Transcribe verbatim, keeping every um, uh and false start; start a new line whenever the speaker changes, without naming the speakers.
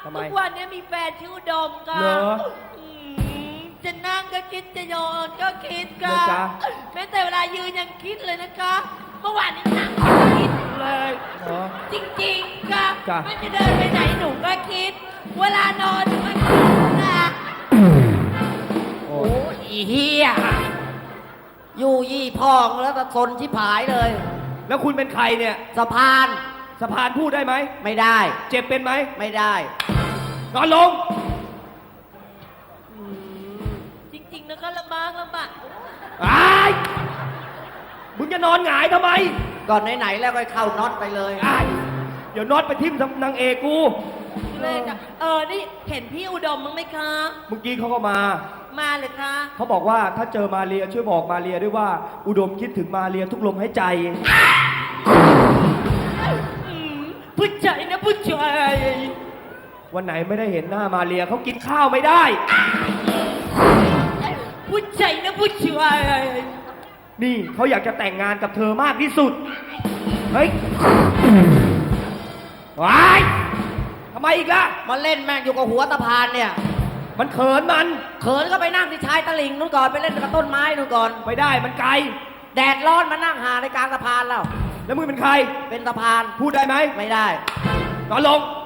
ทำไม
ทุกวันนี้มีแฟนชื่ออุดมค่ะ
เหรอ
อืมจะนั่งก็คิดจะโยนก็คิดค่ะ
เหรอจ๊ะ
แม้แต่เวลายืนยังคิดเลยนะคะ เมื่อวานนี้นั่งคิดเลย
เหรอ
จริงๆค่ะ
จ้ะ
ไม่จะเดินไปไหนหนูก็คิด เวลานอนหนูก็คิดนะ
โอ้
โอ้ยอีเฮียอยู่ยี่พองแล้วตะสนชิบหายเลย
แล้วคุณเป็นใครเนี่ย
สะพาน
สะพานพูดได้ไหม
ไม่ได้
เจ็บเป็นไหม
ไม่ได้
นอนลง
จริงๆนะคะลำบากลำบาก
ไอ้ายมึงจะนอนหงายทำไม
ก่อนไหนๆแล้วก็เข้าน็อตไปเลย
ไอ้ายเดี๋ยวน็อตไปทิ่มนางเอกกู
เลยค่ะเออนี่เห็นพี่อุดมมั้งไหมคะ
เมื่อกี้เขาก็มา
มาเลยคะ
เขาบอกว่าถ้าเจอมาเรียช่วยบอกมาเรียด้วยว่า อุดมคิดถึงมาเรียทุกลมหายใจ
อืมผู้ชายนะผู้ชาย
วันไหนไม่ได้เห็นหน้ามาเรียเขากินข้าวไม่ได้
ผู้ชายนะผู้ชาย
นี่เขาอยากจะแต่งงานกับเธอมากที่สุด เฮ้ยว้ายทำไมอีกล่ะ
มาเล่นแม่งอยู่กับหัวสะพานเนี่ย
มันเขินมัน
เขินก็ไปนั่งที่ชายตะลิ่งนู่นก่อนไปเล่นกับต้นไม้นู่นก่อน
ไม่ได้มันไกล
แดดร้อนมานั่งหาในกลางสะพานแล้ว
แล้วมึงเป็นใคร
เป็นสะพาน
พูดได้ไหม
ไม่ได้
นอนลง